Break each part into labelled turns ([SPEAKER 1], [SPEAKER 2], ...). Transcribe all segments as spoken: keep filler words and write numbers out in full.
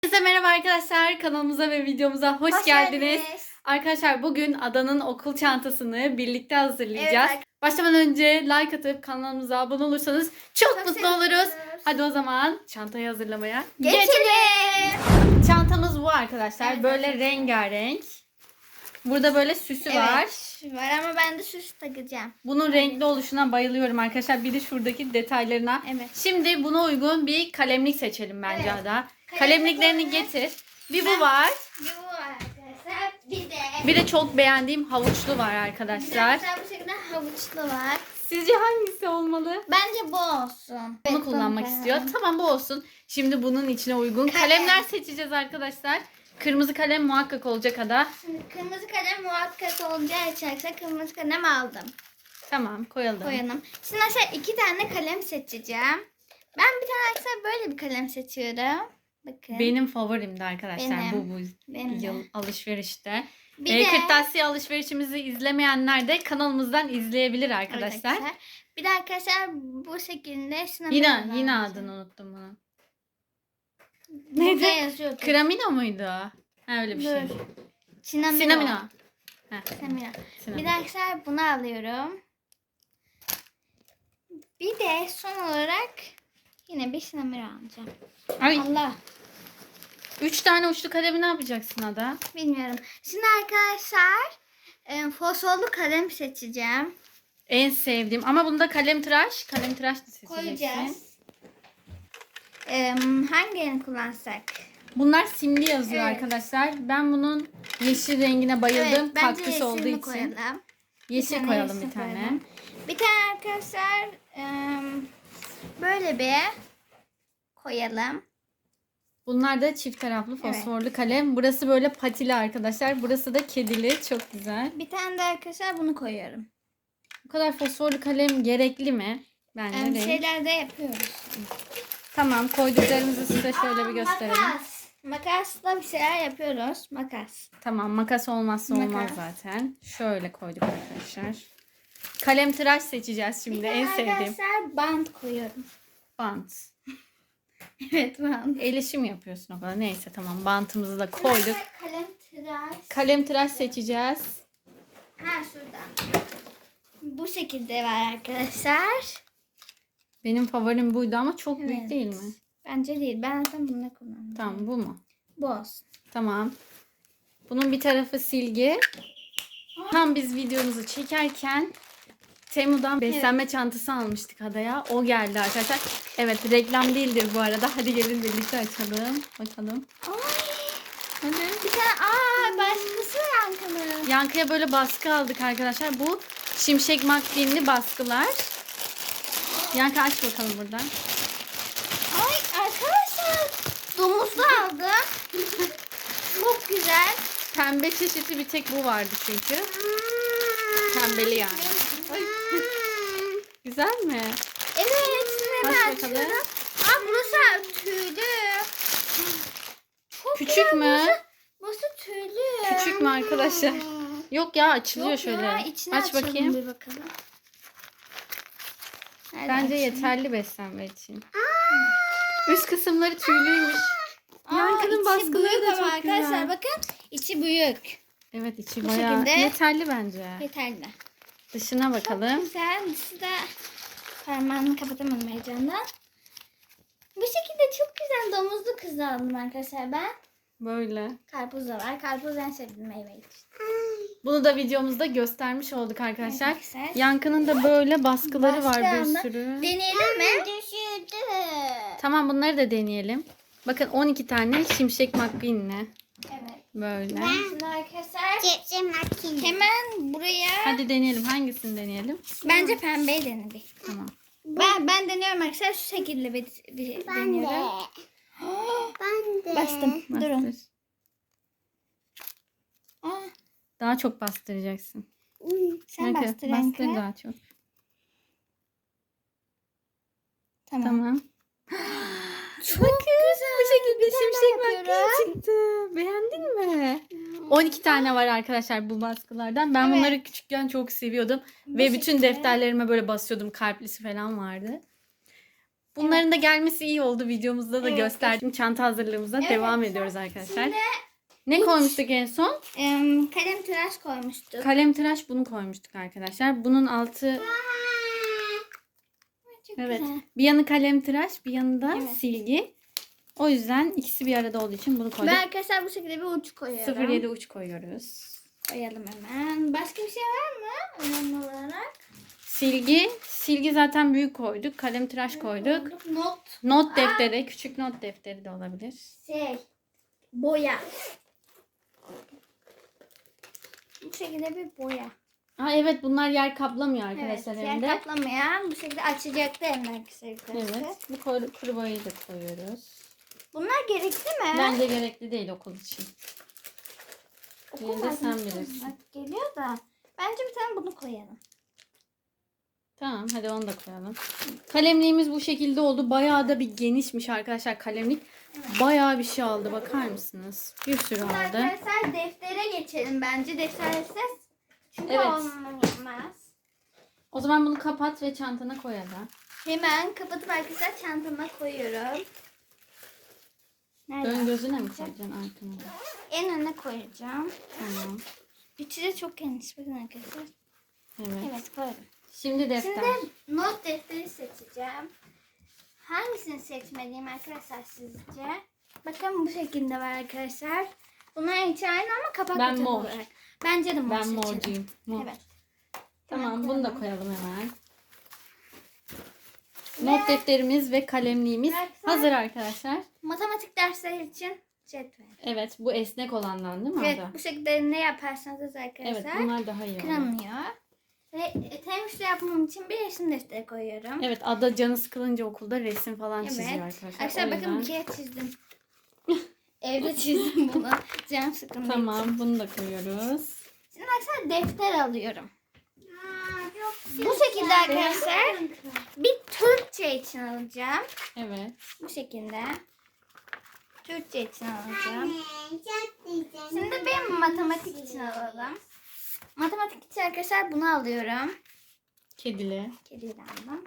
[SPEAKER 1] Herkese merhaba arkadaşlar. Kanalımıza ve videomuza hoş,
[SPEAKER 2] Hoş
[SPEAKER 1] geldiniz.
[SPEAKER 2] geldiniz.
[SPEAKER 1] Arkadaşlar bugün Ada'nın okul çantasını birlikte hazırlayacağız.
[SPEAKER 2] Evet.
[SPEAKER 1] Başlamadan önce like atıp kanalımıza abone olursanız çok,
[SPEAKER 2] Çok
[SPEAKER 1] mutlu
[SPEAKER 2] seviniriz.
[SPEAKER 1] oluruz. Hadi o zaman çantayı hazırlamaya
[SPEAKER 2] Geçelim.
[SPEAKER 1] Çantamız bu arkadaşlar.
[SPEAKER 2] Evet,
[SPEAKER 1] böyle
[SPEAKER 2] arkadaşlar.
[SPEAKER 1] rengarenk. Burada böyle süsü var.
[SPEAKER 2] Evet, var ama ben de süs takacağım.
[SPEAKER 1] Bunun renkli oluşuna bayılıyorum arkadaşlar. Bir de şuradaki detaylarına.
[SPEAKER 2] Evet.
[SPEAKER 1] Şimdi buna uygun bir kalemlik seçelim bence
[SPEAKER 2] Evet.
[SPEAKER 1] Ada.
[SPEAKER 2] Kalemlik
[SPEAKER 1] Kalemliklerini
[SPEAKER 2] olarak-
[SPEAKER 1] getir. Bir bu var.
[SPEAKER 2] Bir bu var arkadaşlar. Bir de.
[SPEAKER 1] Bir de çok beğendiğim havuçlu var
[SPEAKER 2] Bir de
[SPEAKER 1] arkadaşlar.
[SPEAKER 2] arkadaşlar bu şekilde havuçlu var.
[SPEAKER 1] Sizce hangisi olmalı?
[SPEAKER 2] Bence bu olsun.
[SPEAKER 1] Bunu
[SPEAKER 2] Evet,
[SPEAKER 1] kullanmak
[SPEAKER 2] bunu
[SPEAKER 1] istiyor.
[SPEAKER 2] koyalım.
[SPEAKER 1] Tamam bu olsun. Şimdi bunun içine uygun
[SPEAKER 2] Kalem.
[SPEAKER 1] kalemler seçeceğiz arkadaşlar. Kırmızı kalem muhakkak olacak Ada.
[SPEAKER 2] Şimdi kırmızı kalem muhakkak olacağı için arkadaşlar kırmızı kalem aldım.
[SPEAKER 1] Tamam koyalım.
[SPEAKER 2] Koyalım. Şimdi arkadaşlar iki tane kalem seçeceğim. Ben bir tane arkadaşlar böyle bir kalem seçiyorum. Bakın.
[SPEAKER 1] Benim favorimdi arkadaşlar
[SPEAKER 2] Benim.
[SPEAKER 1] bu bu
[SPEAKER 2] Benim de.
[SPEAKER 1] yıl alışverişte.
[SPEAKER 2] Bir
[SPEAKER 1] Ee,
[SPEAKER 2] de-
[SPEAKER 1] Kırtasiye alışverişimizi izlemeyenler de kanalımızdan izleyebilir
[SPEAKER 2] Evet
[SPEAKER 1] arkadaşlar.
[SPEAKER 2] Bir de arkadaşlar bu şekilde sinema
[SPEAKER 1] Yine
[SPEAKER 2] var.
[SPEAKER 1] yine adını unuttum bunu.
[SPEAKER 2] Burada
[SPEAKER 1] Neydi?
[SPEAKER 2] yazıyor.
[SPEAKER 1] Kramino muydu? Ha öyle bir şey.
[SPEAKER 2] Dur. Sinamino.
[SPEAKER 1] Sinamino. Heh,
[SPEAKER 2] Sinamino.
[SPEAKER 1] sinamino.
[SPEAKER 2] Bir de arkadaşlar bunu alıyorum. Bir de son olarak yine bir sinamino alacağım.
[SPEAKER 1] Ay,
[SPEAKER 2] Allah.
[SPEAKER 1] üç tane uçlu kalemi ne yapacaksın Ada?
[SPEAKER 2] Bilmiyorum. Şimdi arkadaşlar e, fosforlu kalem seçeceğim.
[SPEAKER 1] En sevdiğim ama bunda kalem tıraş, kalem tıraş da seçeceksin.
[SPEAKER 2] Koyacağız. E, hangi renk kullansak?
[SPEAKER 1] Bunlar simli yazıyor
[SPEAKER 2] Evet.
[SPEAKER 1] arkadaşlar. Ben bunun yeşil rengine bayıldım.
[SPEAKER 2] Evet, bence
[SPEAKER 1] Kaktüs olduğu
[SPEAKER 2] yeşilini
[SPEAKER 1] için.
[SPEAKER 2] koyalım.
[SPEAKER 1] Yeşil
[SPEAKER 2] tane
[SPEAKER 1] koyalım
[SPEAKER 2] yeşil
[SPEAKER 1] bir tane.
[SPEAKER 2] koyalım. Bir tane arkadaşlar e, böyle bir koyalım.
[SPEAKER 1] Bunlar da çift taraflı fosforlu kalem. Burası böyle patili arkadaşlar. Burası da kedili. Çok güzel.
[SPEAKER 2] Bir tane de arkadaşlar bunu koyuyorum.
[SPEAKER 1] Bu kadar fosforlu kalem gerekli mi? Bence
[SPEAKER 2] Yani bir
[SPEAKER 1] değil.
[SPEAKER 2] şeyler de yapıyoruz.
[SPEAKER 1] Tamam, koyduklarımızı size şöyle bir gösterelim.
[SPEAKER 2] Makas. Makasla bir şeyler yapıyoruz. Makas.
[SPEAKER 1] Tamam, makas olmazsa olmaz
[SPEAKER 2] Makas.
[SPEAKER 1] zaten. Şöyle koyduk arkadaşlar. Kalem tıraş seçeceğiz şimdi.
[SPEAKER 2] Bir
[SPEAKER 1] En
[SPEAKER 2] tane
[SPEAKER 1] sevdiğim.
[SPEAKER 2] arkadaşlar bant koyuyorum.
[SPEAKER 1] Bant.
[SPEAKER 2] Evet bant.
[SPEAKER 1] El işi mi yapıyorsun o kadar? Neyse tamam, bantımızı da koyduk.
[SPEAKER 2] Kalem tıraş.
[SPEAKER 1] Kalem tıraş seçeceğiz.
[SPEAKER 2] Ha şurada. Bu şekilde var arkadaşlar.
[SPEAKER 1] Benim favorim buydu ama çok büyük
[SPEAKER 2] Evet.
[SPEAKER 1] değil mi?
[SPEAKER 2] Bence değil. Ben zaten bunu kullandım.
[SPEAKER 1] Tamam, bu mu?
[SPEAKER 2] Bu olsun.
[SPEAKER 1] Tamam. Bunun bir tarafı silgi. Tam biz videomuzu çekerken Temu'dan beslenme çantası almıştık Ada'ya. O geldi arkadaşlar. Evet, reklam değildir bu arada. Hadi gelin birlikte açalım. Bakalım.
[SPEAKER 2] Ay,
[SPEAKER 1] Hadi.
[SPEAKER 2] bir tane aa başkası yankılı.
[SPEAKER 1] Yankıya böyle baskı aldık arkadaşlar. Bu Şimşek McQueen'li baskılar. Yankı aç bakalım buradan.
[SPEAKER 2] Ay arkadaşlar domuzlu aldım. Çok güzel.
[SPEAKER 1] Pembe çeşitli bir tek bu vardı çünkü. Pembeli yani. Ay. Güzel mi?
[SPEAKER 2] Evet. Şimdi
[SPEAKER 1] Aç
[SPEAKER 2] hemen
[SPEAKER 1] bakalım.
[SPEAKER 2] açıyorum. Aa burası tüylü. Çok
[SPEAKER 1] Küçük
[SPEAKER 2] güzel,
[SPEAKER 1] mü?
[SPEAKER 2] Burası, burası tüylü.
[SPEAKER 1] Küçük mü arkadaşlar? Yok ya, açılıyor
[SPEAKER 2] Yok
[SPEAKER 1] şöyle.
[SPEAKER 2] ya, içine
[SPEAKER 1] Aç
[SPEAKER 2] açalım
[SPEAKER 1] bakayım.
[SPEAKER 2] Bir bakalım. Hadi
[SPEAKER 1] Bence
[SPEAKER 2] açayım.
[SPEAKER 1] yeterli beslenme için. Üst kısımları tüylüymüş.
[SPEAKER 2] Aa,
[SPEAKER 1] Yankı'nın
[SPEAKER 2] içi
[SPEAKER 1] baskıları
[SPEAKER 2] büyük
[SPEAKER 1] da
[SPEAKER 2] ama
[SPEAKER 1] çok
[SPEAKER 2] arkadaşlar
[SPEAKER 1] güzel.
[SPEAKER 2] bakın içi büyük.
[SPEAKER 1] Evet, içi
[SPEAKER 2] Bu
[SPEAKER 1] bayağı
[SPEAKER 2] şekilde.
[SPEAKER 1] yeterli bence.
[SPEAKER 2] Yeterli.
[SPEAKER 1] Dışına
[SPEAKER 2] Çok
[SPEAKER 1] bakalım.
[SPEAKER 2] güzel. Dışı da parmağımı kapatamadım heyecandan. Bu şekilde çok güzel domuzlu kız aldım arkadaşlar ben.
[SPEAKER 1] Böyle.
[SPEAKER 2] Karpuz da var. Karpuz en sevdiğim meyve işte.
[SPEAKER 1] Bunu da videomuzda göstermiş olduk arkadaşlar.
[SPEAKER 2] Arkadaşlar.
[SPEAKER 1] Yankı'nın da böyle baskıları var bir
[SPEAKER 2] Başka
[SPEAKER 1] sürü.
[SPEAKER 2] Deneyelim mi? Düşürdü.
[SPEAKER 1] Tamam, bunları da deneyelim. Bakın on iki tane Şimşek McQueen'le.
[SPEAKER 2] Evet.
[SPEAKER 1] Böyle.
[SPEAKER 2] Şimdi arkadaşlar hemen buraya
[SPEAKER 1] Hadi deneyelim. Hangisini deneyelim?
[SPEAKER 2] bence pembeyi denedik.
[SPEAKER 1] Tamam.
[SPEAKER 2] Ben ben deniyorum arkadaşlar şu şekilde bir, bir deniyorum.
[SPEAKER 3] Ben de.
[SPEAKER 2] Bastım. Durun.
[SPEAKER 1] Bastır.
[SPEAKER 2] Aa,
[SPEAKER 1] Daha çok bastıracaksın.
[SPEAKER 2] sen
[SPEAKER 1] Yankı,
[SPEAKER 2] bastır
[SPEAKER 1] bastır
[SPEAKER 2] Yankı.
[SPEAKER 1] daha çok.
[SPEAKER 2] Tamam.
[SPEAKER 1] Tamam.
[SPEAKER 2] Çok güzel.
[SPEAKER 1] Bu şekilde
[SPEAKER 2] Bir tane
[SPEAKER 1] Şimşek
[SPEAKER 2] daha
[SPEAKER 1] McQueen
[SPEAKER 2] yapıyorum.
[SPEAKER 1] çıktı. Beğendin mi? on iki tane var arkadaşlar bu baskılardan. Ben
[SPEAKER 2] Evet.
[SPEAKER 1] bunları küçükken çok seviyordum.
[SPEAKER 2] Bu
[SPEAKER 1] Ve bütün
[SPEAKER 2] şekilde.
[SPEAKER 1] defterlerime böyle basıyordum. Kalplisi falan vardı. Bunların da gelmesi iyi oldu. Videomuzda da
[SPEAKER 2] Evet.
[SPEAKER 1] gösterdim. Çanta hazırlığımıza
[SPEAKER 2] Evet.
[SPEAKER 1] devam ediyoruz arkadaşlar.
[SPEAKER 2] Şimdi
[SPEAKER 1] Ne koymuştuk en son?
[SPEAKER 2] em, kalem tıraş koymuştuk.
[SPEAKER 1] Kalem tıraş bunu koymuştuk arkadaşlar. Bunun altı
[SPEAKER 2] Çok
[SPEAKER 1] evet.
[SPEAKER 2] güzel.
[SPEAKER 1] Bir yanı kalem tıraş, bir yanı da
[SPEAKER 2] Evet.
[SPEAKER 1] silgi. O yüzden ikisi bir arada olduğu için bunu koyduk.
[SPEAKER 2] Ben arkadaşlar bu şekilde bir uç koyuyorum.
[SPEAKER 1] sıfır yedi uç koyuyoruz.
[SPEAKER 2] Koyalım hemen. Başka bir şey var mı önemli olarak?
[SPEAKER 1] Silgi, silgi zaten büyük koyduk. Kalem tıraş koyduk.
[SPEAKER 2] Not.
[SPEAKER 1] Not defteri, küçük not defteri de olabilir.
[SPEAKER 2] Şey. Boya. Bu şekilde bir boya.
[SPEAKER 1] Aa evet, bunlar yer kaplamıyor
[SPEAKER 2] Evet.
[SPEAKER 1] arkadaşlar
[SPEAKER 2] Yer
[SPEAKER 1] evde.
[SPEAKER 2] kaplamayan bu şekilde açacaktı hemen kısa
[SPEAKER 1] Evet. Bu kuru, kuru boyayı da koyuyoruz.
[SPEAKER 2] Bunlar gerekli mi?
[SPEAKER 1] Bence gerekli değil okul için.
[SPEAKER 2] Okul
[SPEAKER 1] Yine de sen
[SPEAKER 2] malzemesi
[SPEAKER 1] bilirsin.
[SPEAKER 2] olmak geliyor da. Bence bir tane bunu koyalım.
[SPEAKER 1] Tamam, hadi onu da koyalım. Kalemliğimiz bu şekilde oldu. Bayağı da bir genişmiş arkadaşlar kalemlik. Bayağı bir şey aldı, bakar mısınız? Bir sürü
[SPEAKER 2] Şimdi
[SPEAKER 1] aldı.
[SPEAKER 2] arkadaşlar deftere geçelim bence. Deftersiz çünkü
[SPEAKER 1] Evet.
[SPEAKER 2] olmaz.
[SPEAKER 1] O zaman bunu kapat ve çantana koyalım.
[SPEAKER 2] Hemen kapatıp arkadaşlar çantama koyuyorum. Nerede?
[SPEAKER 1] Ön gözüne mi koyacaksın, arkana da?
[SPEAKER 2] En öne koyacağım.
[SPEAKER 1] Tamam.
[SPEAKER 2] Üçü de çok geniş. Bakın arkadaşlar.
[SPEAKER 1] Evet.
[SPEAKER 2] Evet koydum.
[SPEAKER 1] Şimdi defter.
[SPEAKER 2] Şimdi not defteri seçeceğim. Hangisini seçmeliyim arkadaşlar sizce? Bakın bu şekilde var arkadaşlar. Bunlar içi aynı ama kapak
[SPEAKER 1] Ben
[SPEAKER 2] kapalı
[SPEAKER 1] mor.
[SPEAKER 2] olarak. Bence de mor
[SPEAKER 1] Ben
[SPEAKER 2] seçelim.
[SPEAKER 1] morcuyum. Mor.
[SPEAKER 2] Evet.
[SPEAKER 1] Tamam,
[SPEAKER 2] Hemen
[SPEAKER 1] bunu da
[SPEAKER 2] koyalım.
[SPEAKER 1] koyalım hemen.
[SPEAKER 2] Ve
[SPEAKER 1] Not defterimiz ve kalemliğimiz
[SPEAKER 2] Arkadaşlar-
[SPEAKER 1] hazır arkadaşlar.
[SPEAKER 2] matematik dersleri için cetvel.
[SPEAKER 1] Evet, bu esnek olandan değil mi
[SPEAKER 2] Evet
[SPEAKER 1] Ada?
[SPEAKER 2] bu şekilde ne yaparsanız
[SPEAKER 1] Evet,
[SPEAKER 2] arkadaşlar
[SPEAKER 1] bunlar daha iyi oldu.
[SPEAKER 2] kıramıyor. Ve temizle yapmam için bir resim defteri koyuyorum.
[SPEAKER 1] Evet, Ada canı sıkılınca okulda resim falan çiziyor
[SPEAKER 2] Evet.
[SPEAKER 1] arkadaşlar.
[SPEAKER 2] Arkadaşlar
[SPEAKER 1] O
[SPEAKER 2] bakın bir
[SPEAKER 1] yüzden-
[SPEAKER 2] kere çizdim. Evde çizdim bunu. Canım sıkıldı.
[SPEAKER 1] Tamam, bunu da koyuyoruz.
[SPEAKER 2] Şimdi arkadaşlar defter alıyorum. Bu şekilde arkadaşlar bir Türkçe için alacağım.
[SPEAKER 1] Evet.
[SPEAKER 2] Bu şekilde. Türkçe için alacağım. Şimdi bir matematik için alalım. Matematik için arkadaşlar bunu alıyorum.
[SPEAKER 1] Kedili.
[SPEAKER 2] Kediyi de aldım.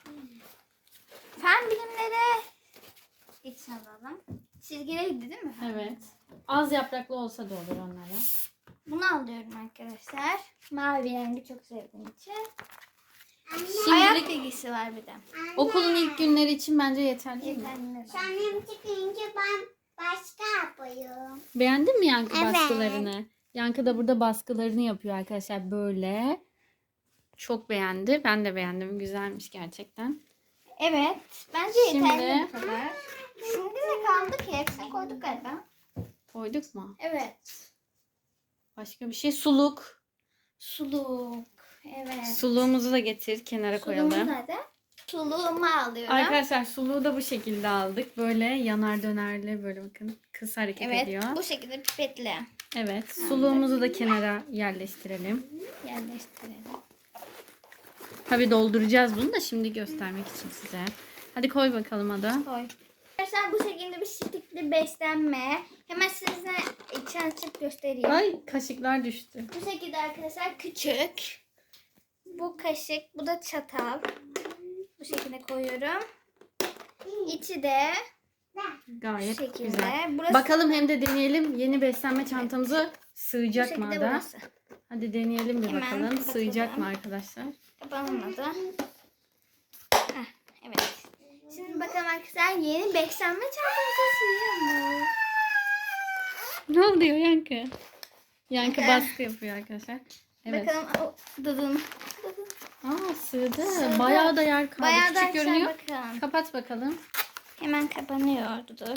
[SPEAKER 2] Fen bilimleri için alalım. Çizgiliydi değil mi?
[SPEAKER 1] Evet. Az yapraklı olsa da olur onlara.
[SPEAKER 2] Bunu alıyorum arkadaşlar. Mavi rengi çok sevdiğim için. Ayak
[SPEAKER 1] Şimdilik
[SPEAKER 2] bilgisi var bir de.
[SPEAKER 1] okulun ilk günleri için bence yeterli değil mi?
[SPEAKER 2] Yeterli.
[SPEAKER 3] Annem çıkınca ben başka yapıyorum.
[SPEAKER 1] Beğendin mi Yankı
[SPEAKER 3] Evet.
[SPEAKER 1] baskılarını? Yankı da burada baskılarını yapıyor arkadaşlar böyle. Çok beğendi. Ben de beğendim. Güzelmiş gerçekten.
[SPEAKER 2] Evet. Bence yeterli
[SPEAKER 1] Şimdi-
[SPEAKER 2] bu kadar. Şimdi ne kaldı ki? Hepsini koyduk galiba.
[SPEAKER 1] Koyduk mu?
[SPEAKER 2] Evet.
[SPEAKER 1] Başka bir şey. Suluk.
[SPEAKER 2] Suluk. Evet.
[SPEAKER 1] Suluğumuzu da getir. Kenara
[SPEAKER 2] Suluğumuz
[SPEAKER 1] koyalım.
[SPEAKER 2] nerede? Suluğumu alıyorum.
[SPEAKER 1] Arkadaşlar suluğu da bu şekilde aldık. Böyle yanar dönerli böyle bakın. Kız hareket
[SPEAKER 2] Evet.
[SPEAKER 1] ediyor.
[SPEAKER 2] Bu şekilde pipetle
[SPEAKER 1] Evet. Suluğumuzu da kenara yerleştirelim.
[SPEAKER 2] yerleştirelim.
[SPEAKER 1] Tabii dolduracağız bunu da şimdi göstermek için size. Hadi koy bakalım Ada.
[SPEAKER 2] Koy. Arkadaşlar bu şekilde bir şekilde beslenme. Hemen size içi açıp göstereyim.
[SPEAKER 1] Ay kaşıklar düştü.
[SPEAKER 2] Bu şekilde arkadaşlar küçük. Bu kaşık, bu da çatal. Bu şekilde koyuyorum. İçi de bu
[SPEAKER 1] Gayet
[SPEAKER 2] şekilde.
[SPEAKER 1] güzel.
[SPEAKER 2] Burası
[SPEAKER 1] Bakalım hem de deneyelim. Yeni beslenme çantamıza
[SPEAKER 2] bu
[SPEAKER 1] sığacak mı
[SPEAKER 2] şekilde
[SPEAKER 1] Ada?
[SPEAKER 2] burası.
[SPEAKER 1] Hadi deneyelim bir
[SPEAKER 2] Hemen
[SPEAKER 1] bakalım.
[SPEAKER 2] kapatalım.
[SPEAKER 1] Sığacak mı arkadaşlar?
[SPEAKER 2] Kapanmadı. Heh, evet. Şimdi bakalım arkadaşlar yeni beslenme çantamıza sığıyor mu?
[SPEAKER 1] Ne oluyor Yankı? Yankı
[SPEAKER 2] Bakın.
[SPEAKER 1] baskı yapıyor arkadaşlar. Evet.
[SPEAKER 2] Bakalım o dıdın.
[SPEAKER 1] Aa sığdı.
[SPEAKER 2] Sığdı.
[SPEAKER 1] Bayağı da yer kaldı.
[SPEAKER 2] Bayağı da
[SPEAKER 1] Küçük
[SPEAKER 2] arkadaşlar
[SPEAKER 1] görünüyor.
[SPEAKER 2] bakın.
[SPEAKER 1] Kapat bakalım.
[SPEAKER 2] Hemen kapanıyor. Dur.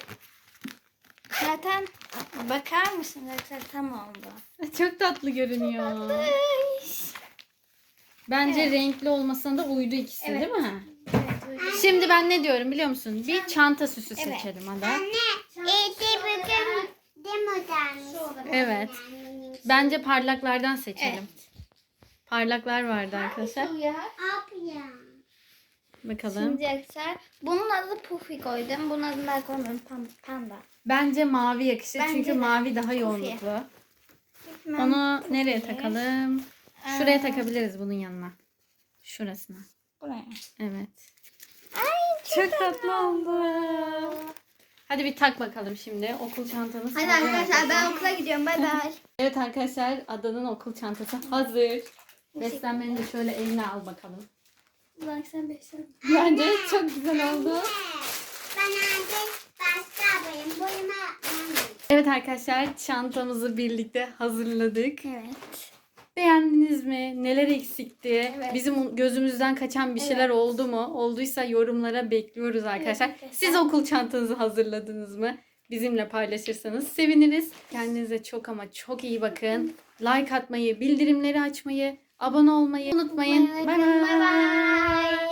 [SPEAKER 2] Zaten bakar mısın arkadaşlar tam oldu.
[SPEAKER 1] Çok tatlı görünüyor. Bence
[SPEAKER 2] Evet.
[SPEAKER 1] renkli olmasına da uydu ikisi
[SPEAKER 2] Evet.
[SPEAKER 1] değil mi?
[SPEAKER 2] Evet. uygun.
[SPEAKER 1] Şimdi ben ne diyorum biliyor musun? Bir çanta süsü
[SPEAKER 2] Evet.
[SPEAKER 1] seçelim Ada.
[SPEAKER 3] Evde bakın demodan.
[SPEAKER 1] Evet. Bence parlaklardan seçelim.
[SPEAKER 2] Evet.
[SPEAKER 1] Parlaklar vardı arkadaşlar.
[SPEAKER 2] Hangisi uyar?
[SPEAKER 3] Abla.
[SPEAKER 1] Bakalım.
[SPEAKER 2] Şimdi arkadaşlar bunun adı Puffy koydum. Bunun adını ben koymadım. Pan- Panda.
[SPEAKER 1] Bence mavi yakışır
[SPEAKER 2] Bence
[SPEAKER 1] çünkü
[SPEAKER 2] de.
[SPEAKER 1] mavi daha
[SPEAKER 2] Puffy.
[SPEAKER 1] yoğunluklu.
[SPEAKER 2] Hemen
[SPEAKER 1] Onu
[SPEAKER 2] Puffy.
[SPEAKER 1] nereye takalım? Şuraya
[SPEAKER 2] Ee,
[SPEAKER 1] takabiliriz bunun yanına. Şurasına.
[SPEAKER 2] Buraya.
[SPEAKER 1] Evet.
[SPEAKER 2] Ay
[SPEAKER 1] Çok tatlı oldu. Hadi bir tak bakalım şimdi. Okul çantamız
[SPEAKER 2] Hadi
[SPEAKER 1] hazır
[SPEAKER 2] arkadaşlar ben okula gidiyorum. Bay bay.
[SPEAKER 1] Evet arkadaşlar, Ada'nın okul çantası hazır. Beslenmeni de şöyle eline al bakalım.
[SPEAKER 2] Bak sen beslen.
[SPEAKER 1] Bence çok güzel oldu.
[SPEAKER 3] Ben artık başka yapayım. Boyuma yapmam.
[SPEAKER 1] Evet arkadaşlar, çantamızı birlikte hazırladık.
[SPEAKER 2] Evet.
[SPEAKER 1] Beğendiniz mi? Neler eksikti?
[SPEAKER 2] Evet.
[SPEAKER 1] Bizim gözümüzden kaçan bir şeyler
[SPEAKER 2] Evet.
[SPEAKER 1] oldu mu? Olduysa yorumlara bekliyoruz arkadaşlar.
[SPEAKER 2] arkadaşlar.
[SPEAKER 1] Siz okul çantanızı hazırladınız mı? Bizimle paylaşırsanız seviniriz. Kendinize çok ama çok iyi bakın. Like atmayı, bildirimleri açmayı, abone olmayı unutmayın. Bay
[SPEAKER 2] Bay
[SPEAKER 1] bay.
[SPEAKER 2] bay.